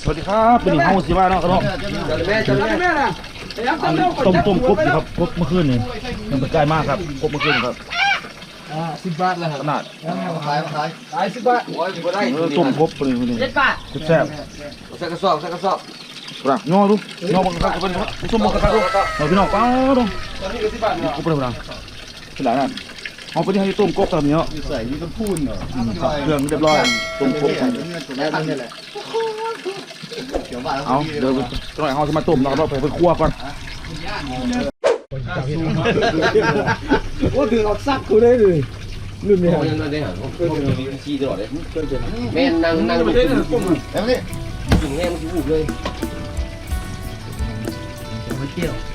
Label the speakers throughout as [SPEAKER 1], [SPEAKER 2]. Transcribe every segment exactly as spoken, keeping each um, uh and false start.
[SPEAKER 1] สวัสดีครับเป็นเฮาสิมาเนาะครับต้มต้มกบครับกบเมื่อคืนนี่มันเป็นใกล้มากครับกบเมื่อคืนครับ
[SPEAKER 2] อ่าสิบบาทแล้วครับ
[SPEAKER 1] ขนาด
[SPEAKER 2] ขายขายขายสิบบาทโอ้ยบ่ได้
[SPEAKER 1] ต้มกบเป็นนี่เจ็ดบาทแซ่บ
[SPEAKER 2] ใส่กระสอบใส่กระสอบ
[SPEAKER 1] รักย่อดูย่อบังคับเป็นส้มบังคับดูเราพี่น้องป้าดู
[SPEAKER 2] ตอนนี้ก็สิบบาท
[SPEAKER 1] กบเป็นอะไรเป็นหลายนั่นเอาไปที่ให้ต้มกบตามนี้เนาะ
[SPEAKER 2] ใส่ยี่ต้นพูนเหรอ
[SPEAKER 1] เครื่องเรียบร้อยต้มกบ
[SPEAKER 2] นี่แหละ
[SPEAKER 1] เอาเดี๋ยวตอนไหนเขาจะมาต้มเราเราไปไปคั่วก่อน
[SPEAKER 2] ว่าคือเอาซักกูได้เลยรุ่นนี้
[SPEAKER 3] ยังได้หรอเขามีขี้ตลอดเลยแม่นั่งนั่งดู
[SPEAKER 2] แล้วนี่
[SPEAKER 3] ถึงแม่มันถูกเลย
[SPEAKER 2] ไม่เกี่ยว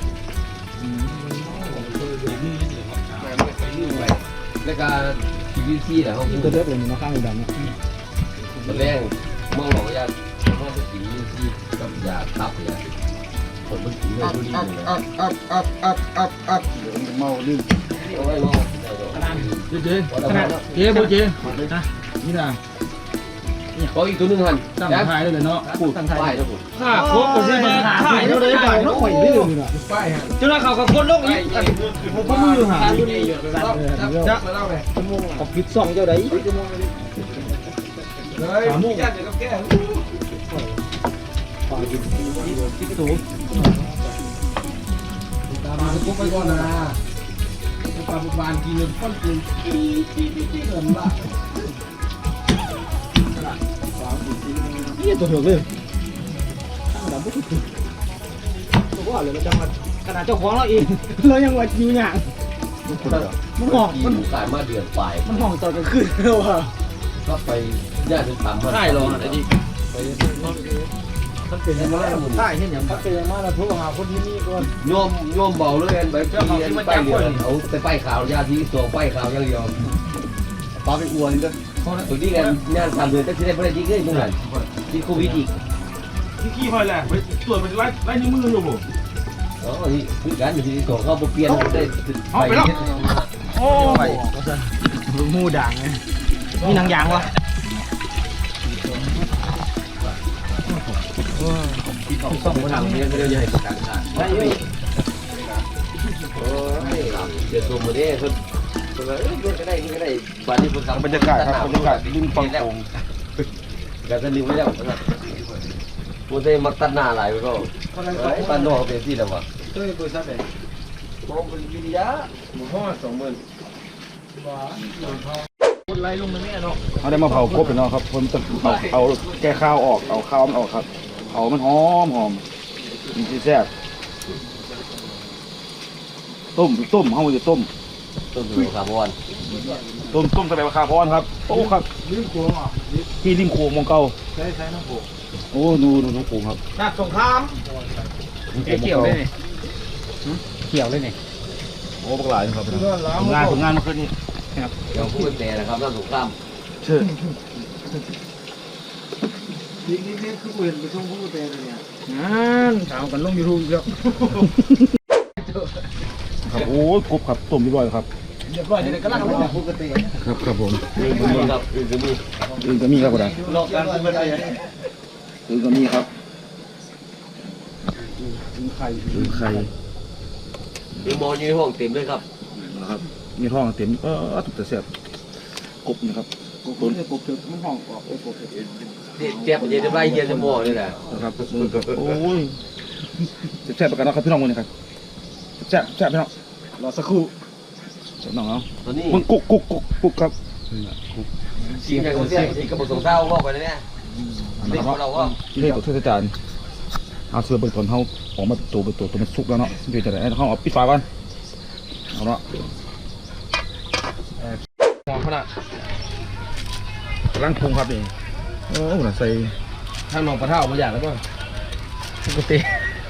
[SPEAKER 3] แล้วก็ทีวีซีแหละเขาพูด
[SPEAKER 2] ตัวเล็กเลยมันข้างดำนะ
[SPEAKER 3] ตอนแรกมองหลอกยาเขาจะทีวีซีกับยาทับยาคนมันกินเลยดูดีเลย
[SPEAKER 2] อัพอัพอัพอัพอัพอัพเดี๋ยวมันเมาลื่น
[SPEAKER 3] เอาไว้มอง
[SPEAKER 2] เจ๊เจ๊เจ๊โบเจ๊นะนี่นะ
[SPEAKER 3] เขาอีกตัวนึงหัน
[SPEAKER 2] ตั้งท้ายเลยเนาะ
[SPEAKER 3] พูดตั้งท้ายแล้วผม
[SPEAKER 2] ข้าโคตรผมมาถ่ายแล้วเลยถ่ายแล้วข่อยดื้อเลยนะป้ายฮะเจ้าหน้าเขากับคนโลกอีกผมก็มือหาจะขอบคิดสองเจ้าใดเลยขามุ่งจะกับแก้ปลาดิบที่ถูกตามมาปุ๊บไปก่อนนะปลาบุบานกินเงินก้อนกินที่ที่ที่ที่เงินละนี่ตัวเถื่อนเลยตั้งแต่ปุ๊บตัวว่าเลยเราจะมาขนาดเจ้าของเราเองเรายังว่าอยู่อย่างมันห่อง
[SPEAKER 3] มันขายมาเดือนปลาย
[SPEAKER 2] มันห่องตอนกลางคืนแล้วอ่ะ
[SPEAKER 3] ก็ไปญาติถามมา
[SPEAKER 2] ใช่หรอไอ้ดิมันเป็นยังไงใช่เห็นอย่างมันเป็นยังไงเราโทรหาคนที่นี่ก่อน
[SPEAKER 3] โยมโยมเบาเลยอันใบปีอันไปเดียวเอาไปป้ายข่าวยาที่ตัวป้ายข่าวอย่างเดียวปลาไปอวนด้วยตัวนี้กันงานสามเดือนก็จะได้ไม่ได้ดีขึ้นเหมือนกันที่โควิดอีก
[SPEAKER 1] ที่ขี้พอยแหละไปตรวจมันไล่ไล่นิ้วมืออยู่ผม
[SPEAKER 3] อ๋อที่คือการอยู่ที่ตัวเขาเปลี่ยนได้
[SPEAKER 1] เอาไปแล้วโอ้
[SPEAKER 2] ยมูด่างไงมีหนังยางวะ
[SPEAKER 3] ต้องมาทำเนี่ยไม่ได้ใหญ่ต่างกันได้ไหมโอ้ยเดี๋ยวตัวมันเนี่ยคนคนละเอ้ยก็ได้ก็ได้บ้านนี้คน
[SPEAKER 1] บรรยากาศครับบรรยากาศริมฝั่งโขง
[SPEAKER 3] การจะลืมไม่ได้หมดนะมันจะมักตัดหน้าหลายไปก็ปันนอกเป็นที่แล้ววะ
[SPEAKER 2] เฮ้ยบริษัทไหน
[SPEAKER 3] มองเป็นวิทยาหมู่ห้อสองหมื่น
[SPEAKER 2] คนไล่ลงมาเนี่ยเนาะ
[SPEAKER 1] เขาได้มาเผากบไปเนาะครับผมจะเอาเอาแก้ข้าวออกเอาข้าวมันออกครับเผามันหอมหอมมันจะแซ่บต้มต้มเขาจะต้ม
[SPEAKER 3] ต้มดูคาร์บอน
[SPEAKER 1] ต้มต้มใส่ใบคาร์บอนครับโอ้ครับ
[SPEAKER 2] ริมโขงอ่ะ
[SPEAKER 1] ที่ริมโขงมองเก่า
[SPEAKER 2] ใช่ใช่น้ำโขง
[SPEAKER 1] โอ้ดูดูน้ำโขงครับ
[SPEAKER 2] นักสงครามเกี่ยวเลยนี่เกี่ยวเลยนี่
[SPEAKER 1] โอ้ปลาครับงานผลงานมาคืนนี้
[SPEAKER 3] ครับเดี๋ยวพูดแต่นะครับน้ำสงคราม
[SPEAKER 1] เชื่อ
[SPEAKER 2] นี่นี่นี่คือเห็นไปช่วงพูดแต่เนี่ยงั้นถามกันลงยูทูบแล้ว
[SPEAKER 1] ครับโอ้กบครับต้มเรียบร้อยครับ
[SPEAKER 2] เรียบร้อยเดี๋ยวก็ล่างมาพูดแต่
[SPEAKER 1] ครับครับผม
[SPEAKER 3] อื่นก็มีครับอื่นก็มี
[SPEAKER 1] อื่นก็มีครับผม
[SPEAKER 2] หลอกกันเป็นอะไร
[SPEAKER 1] อื่นก็มีครับ
[SPEAKER 2] อื่นไข่
[SPEAKER 1] อื่นไข่
[SPEAKER 3] คือมออยู่ในห้องเต็มเลยครับ
[SPEAKER 1] นะครับมีห้องเต็มเออถูกแต่เสียบกบนะครับ
[SPEAKER 2] กบตัวนี้กบถึงมันห้องออกไอ้กบ
[SPEAKER 3] เจ็บเย็นจะไล่เย็นจะมอเลยแหละ
[SPEAKER 1] นะครับโอ้ยแซ่บประกันนะครับพี่น้องคนนี้ครับแซ่บแซ่บพี่น้อง
[SPEAKER 2] รอสักครู่
[SPEAKER 1] แซ่บน้องเนาะ
[SPEAKER 3] ตอนนี้
[SPEAKER 1] มึงกุกกุกกุกกุกครับ
[SPEAKER 3] ชิมอย่างคนเสียชิมกระบอกสองเท้าก็ไปเลยเนี่ยเด็กเราก็
[SPEAKER 1] ที่ให้ตัวเทศจานเอาเสื้อเปิดตอนเขาออกมาตัวเป็นตัวตัวมันสุกแล้วเนาะเดี๋ยวจะได้เขาเอาปิดฝาก่อนเอาเนาะมองขนาดกำลังปรุงครับนี่โอ้โหใส่
[SPEAKER 3] ทางนองปลาเท่ามาอย่างแล้วก็
[SPEAKER 1] ปกติ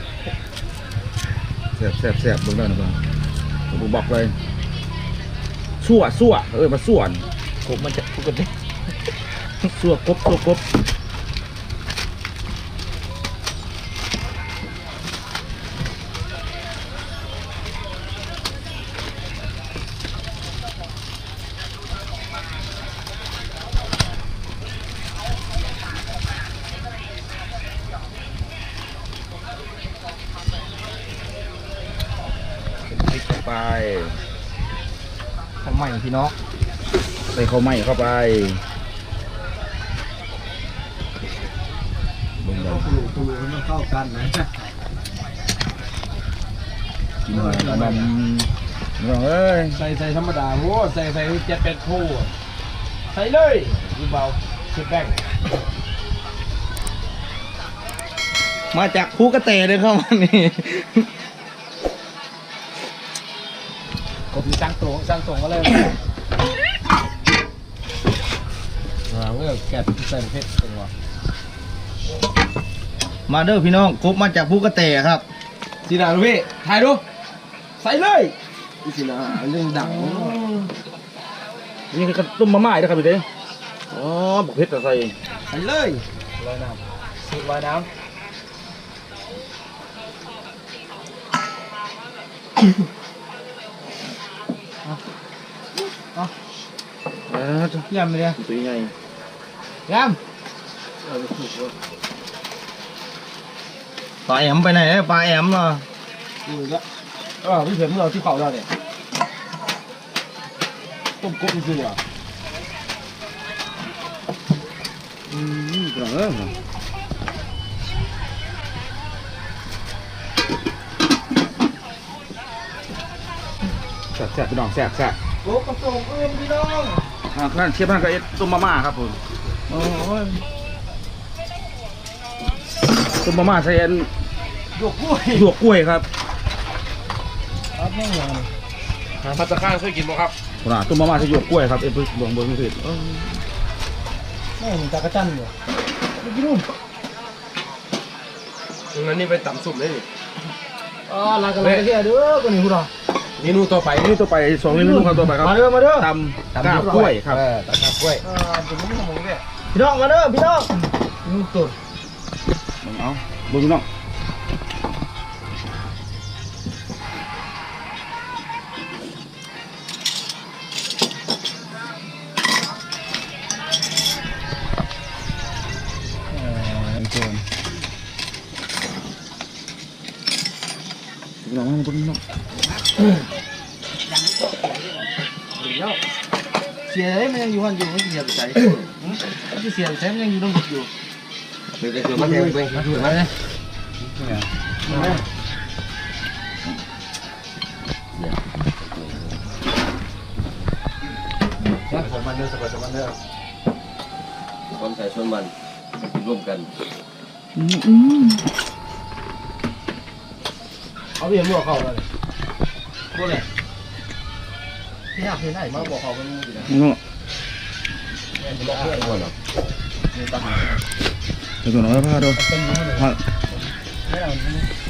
[SPEAKER 1] แซ่บแซ่บแซ่บเบิ่งได้นะเบิ่งผมบอกเลยสั่วสั่วเออมาส่วนกบมันจะปกติสั่วกบสั่วกบไป
[SPEAKER 2] ของใหม่พี่น้อง
[SPEAKER 1] ใส่ข้าวไหม้เข้าไปลงไป
[SPEAKER 2] ตูตูมันเข้ากันนะ
[SPEAKER 1] กินหน่อยขนมน้องเอ้ย
[SPEAKER 2] ใส่ใส่ธรรมดาโว้ใส่ใส่เจ็ดเป็ดคู่ใส่เลยดูเบาเช็ดแป้งมาจากภูกระเตเลยเข้ามานี่ผมสร้างตัวสร้างตัวก็เลยเราเลือกแกะใส่เพชรตัวมาเด้อพี่น้องครบมาจากภูกระเตครับสีดาลูกพี่ถ่ายดูใส่เลยสีดาเรื่องดัง
[SPEAKER 1] นี่คือต้มมาม่าด้วยครับพี่เด้อ๋อบุกเพชรใส่
[SPEAKER 2] ใส่เลยลอยน้ำสูตรลอยน้ำ
[SPEAKER 1] เออย
[SPEAKER 2] ำไปเลย
[SPEAKER 1] ตัวใหญ่
[SPEAKER 2] ยำปลาแอมไปไหนปลาแอมเนาะดูอีกแล้วเออพี่เข็มเราที่เขาเราเนี่ยต้มกบจริงๆอ่ะ
[SPEAKER 1] อืมกระเริ่มแซ่บแซ่บพี่น้องแซ่บแซ่บ
[SPEAKER 2] โอ้กระโปรงเอื้อมพี่น้อง
[SPEAKER 1] อ่านั่นเชฟนั่นก็เอ็ดต้มมาม่าครับผม
[SPEAKER 2] โอ้ย
[SPEAKER 1] ต้มมาม่าใส่อัน
[SPEAKER 2] หยวกกล้วย
[SPEAKER 1] หยวกกล้วยครับ
[SPEAKER 2] ครับแม่งเลย
[SPEAKER 3] พัตตาข้างเคยกินบ่ครับ
[SPEAKER 1] น่ะต้มมาม่าใส่หยวกกล้วยครับเอ็ดพึ่งหลวงบนมือถือเออ
[SPEAKER 2] แม่งจักรจันทร์อยู่ไม่กินนู่น
[SPEAKER 3] งั้นนี่ไปตำสุ่มได้นี่
[SPEAKER 2] อ๋อลากระไรเที่ยเด้อคนนี้พูดหรอ
[SPEAKER 3] เมนูต่อไป
[SPEAKER 1] นี่ตัวไปสองเมนูครับตัวไปครับ
[SPEAKER 2] มาเด้อมาเด้อ
[SPEAKER 1] ตำกาบกล้วยครับ
[SPEAKER 3] เออตำกาบกล้วย
[SPEAKER 2] อ่าผมไม่ทำมึงเนี่ยพี่น้องมาเด้อพี่น้องนุ่มตุ่น
[SPEAKER 1] เอาดูพี่น้องพี่น้องมาพี่น้อง
[SPEAKER 2] เสียเลยมันยังอยู่หันอยู่ไม่เสียไปใส่มันจะเสียไปใส่มันยังอยู่ตรงอยู่
[SPEAKER 3] เดี๋ยวจะมาแทงไปดูไหม
[SPEAKER 2] ของมันเด้อสบายสบายเด้อ
[SPEAKER 3] ความใส่ส่วนมันกินร่วมกัน
[SPEAKER 2] เอาเบียร์ลวกเขาเลยพวกเนี่ยที่อยากเห็นไหนมาบอกเขาเป็นมูสินะ
[SPEAKER 1] นี่น้อง
[SPEAKER 3] บอกเพื่อนก่อนหรอ
[SPEAKER 1] เดี๋ยวก่อนนะพาดู
[SPEAKER 2] เป็นมูเลย
[SPEAKER 1] พา
[SPEAKER 2] ไม่เอา